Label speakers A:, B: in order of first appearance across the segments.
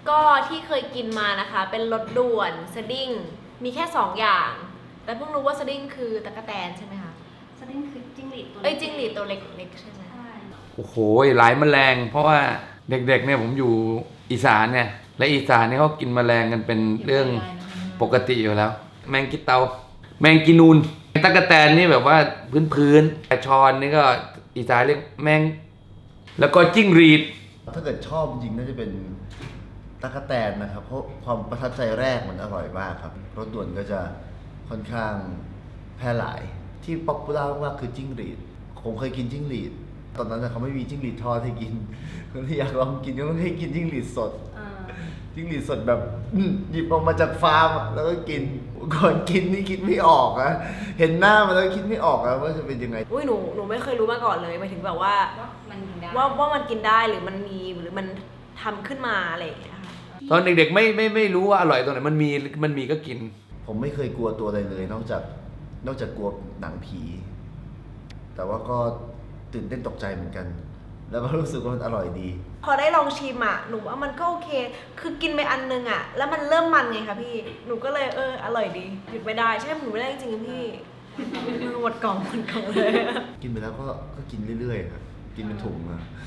A: ก็ที่เคยกินมานะคะเป็นรสด่วนสดิ้งมีแค่2อย่างแต่เพิ่งรู้ว่าสดิ้งคือตั๊กแตนใช่ไหมคะ
B: สดิ้งคือจิ้งหรีดตัว
A: จิ้งหรีดตัวเล็กๆใช่ไหม
C: โอ้โหหลายแมลงเพราะว่าเด็กๆเนี่ยผมอยู่อีสานเนี่ยและอีสานเนี่ยเขากินแมลงกันเป็นเรื่องปกติอยู่แล้วแมงกิเตาแมงกินูนตั๊กแตนนี่แบบว่าพื้นๆแต่ชอนนี่ก็อีสานเรียกแมงแล้วก็จิ้งหรีด
D: ถ้าเกิดชอบจริงน่าจะเป็นตั๊กแตนนะครับเพราะความประทับใจแรกมันอร่อยมากครับรสด่วนก็จะค่อนข้างแพร่หลายที่ป๊อปปูล่ามากคือจิ้งหรีดผมเคยกินจิ้งหรีดตอนนั้นเขาไม่มีจิ้งหรีดทอดให้กินก็เลยอยากลองกินก็ต้องให้กินจิ้งหรีดสดจิ้งหรีดสดแบบหยิบออกมาจากฟาร์มแล้วก็กินก่อนกินนี่คิดไม่ออกนะเห็นหน้ามันแล้วคิดไม่ออกนะว่าจะเป็นยังไง
A: หนูไม่เคยรู้มาก่อนเลยหมายถึงแบบว่า
B: มันกินได้
A: ว่ามันกินได้หรือมันมีหรือมันทำขึ้นมาอะไรอย่างเงี้ยค่ะ
C: ตอนเด็กๆไม่รู้ว่าอร่อยตรงไหนมันมีก็กิน
D: ผมไม่เคยกลัวตัวอะไรเลยนอกจากกลัวหนังผีแต่ว่าก็ตื่นเต้นตกใจเหมือนกัน แล้วก็รู้สึกว่ามันอร่อยดี
A: พอได้ลองชิมหนูว่ามันก็โอเคคือกินไปอันนึงแล้วมันเริ่มมันไงคะพี่หนูก็เลยอร่อยดีหยุดไม่ได้ใช่หนูไม่ได้จริงๆพี่หมดกล่องเลย
D: กินไปแล้วก็กินเรื่อยๆครับกินเป็นถุง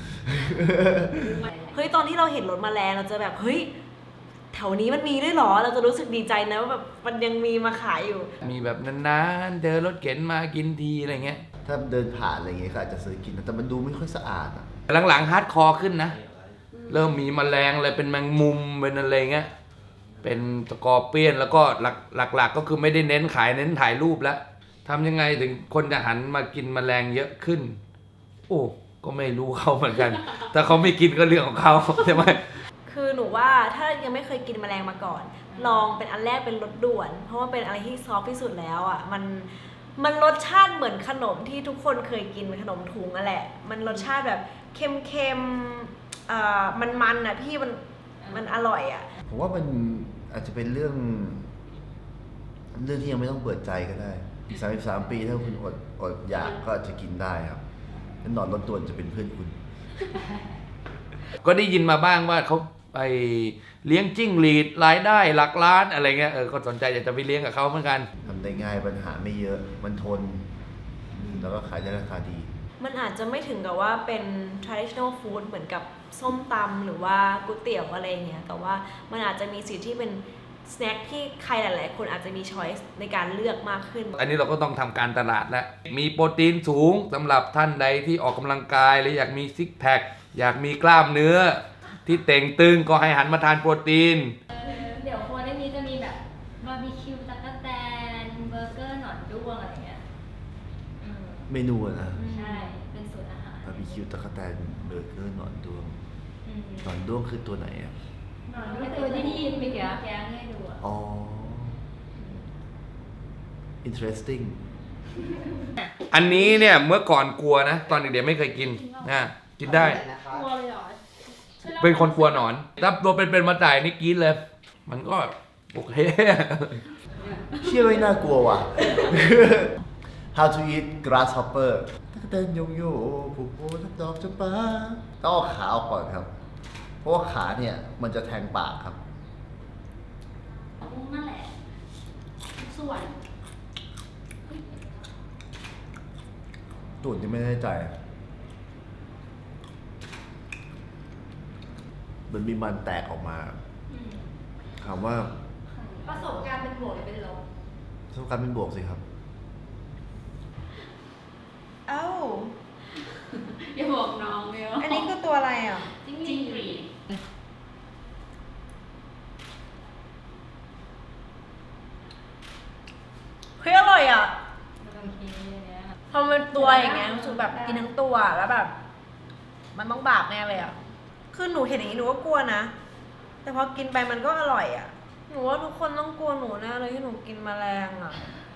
A: เฮ้ยตอนที่เราเห็นรถแมลงเราจะแบบเฮ้ยแถวนี้มันมีด้วยหรอเราจะรู้สึกดีใจนะว่าแบบมันยังมีมาขายอยู่
C: มีแบบนานๆเดินรถเข็นมากินทีอะไรเงี้ย
D: ถ้าเดินผ่านอะไรเงี้ยก็อาจจะซื้อกินแต่มันดูไม่ค่อยสะอาด
C: หลังๆฮาร์ดคอร์ขึ้นนะเริ่มมีแมลงอะไรเป็นแมงมุมเป็นอะไรเงี้ยเป็นสกอร์เปียนแล้วก็หลักๆก็คือไม่ได้เน้นขายเน้นถ่ายรูปแล้วทำยังไงถึงคนจะหันมากินแมลงเยอะขึ้นโอ้ก็ไม่รู้เขาเหมือนกันถ้าเขาไม่กินก็เรื่องของเขาใช่ไหม
A: คือหนูว่าถ้ายังไม่เคยกินแมลงมาก่อนลองเป็นอันแรกเป็นรสด่วนเพราะว่าเป็นอะไรที่ซอฟที่สุดแล้วมันรสชาติเหมือนขนมที่ทุกคนเคยกินเป็นขนมถุงนั่นแหละมันรสชาติแบบเค็มมันพี่มันอร่อย
D: ผมว่ามันอาจจะเป็นเรื่องที่ยังไม่ต้องเปิดใจก็ได้33 ปีถ้าคุณอดอยากก็อาจจะกินได้ครับแล้วนอนรถด่วนจะเป็นเพื่อนคุณ
C: ก็ได้ยินมาบ้างว่าเขาไปเลี้ยงจิ้งหรีดรายได้หลักล้านอะไรเงี้ยก็สนใจอยากจะไปเลี้ยงกับเขาเหมือนกัน
D: ทำได้ง่ายปัญหาไม่เยอะมันทนแล้วก็ขายได้ราคาดี
A: มันอาจจะไม่ถึงกับว่าเป็น traditional food เหมือนกับส้มตำหรือว่าก๋วยเตี๋ยวอะไรเงี้ยแต่ว่ามันอาจจะมีสิ่งที่เป็นสแน็คที่ใครหลายๆคนอาจจะมีช้อยส์ในการเลือกมากขึ้น
C: อันนี้เราก็ต้องทำการตลาดแล้วมีโปรตีนสูงสำหรับท่านใดที่ออกกำลังกายหรืออยากมีซิกแพคอยากมีกล้ามเนื้อที่เต่งตึงก็ให้หันมาทานโปรตีน
B: เดี๋ยวครัวได้นี้จะมีแบบบาร์บีคิวตั๊กแตนเบอร์เกอร์หนอนด้วงอะไรเงี้ย
D: เมนูนะ
B: ใช่เป็นสูตรอาหาร
D: บาร์บีคิวตั๊กแตนเบอร์เกอร์หนอนด้วงหนอนด้วงคือตัวไหน
B: หนอนด้วงตัวที่ยินไปแกงให้ดู
D: อ๋อ interesting
C: อันนี้เนี่ยเมื่อก่อนกลัวนะตอนเด็กๆไม่เคยกินนะกินได้
B: กลัวเลยเหรอ
C: เป็นคนกลัวหนอนถ้าตัวเป็นมาจ่ายนี่กินเลยมันก็โอเค
D: เชื่อไม่น่ากลัวว่ะ How to eat grasshopper ตั๊กแตนโยโย่ผูกโบทับดอกจำปาต้องเอาขาออกก่อนครับเพราะว่าขาเนี่ยมันจะแทงปากครับ
B: นั่นแหละส่วน
D: ตูดยังไม่แน่ใจมันมีมันแตกออกมาถามว่า
B: ประสบการณ์เป็นบวกหรือเป็นลบ
D: ประสบการณ์เป็นบวกสิครับ
B: อย่าบอกน้องเลย
A: อันนี้คือตัวอะไร
B: จิ้งหรีด
A: เฮ้ยอร่อยพอมันตัวอย่างเงี้ยรู้สึกแบบกินทั้งตัวแล้วแบบมันต้องบาปแน่เลยคือหนูเห็นอย่างนี้หนูก็กลัวนะแต่พอกินไปมันก็อร่อยหนูว่าทุกคนต้องกลัวหนูแน่เลยที่หนูกินแมลง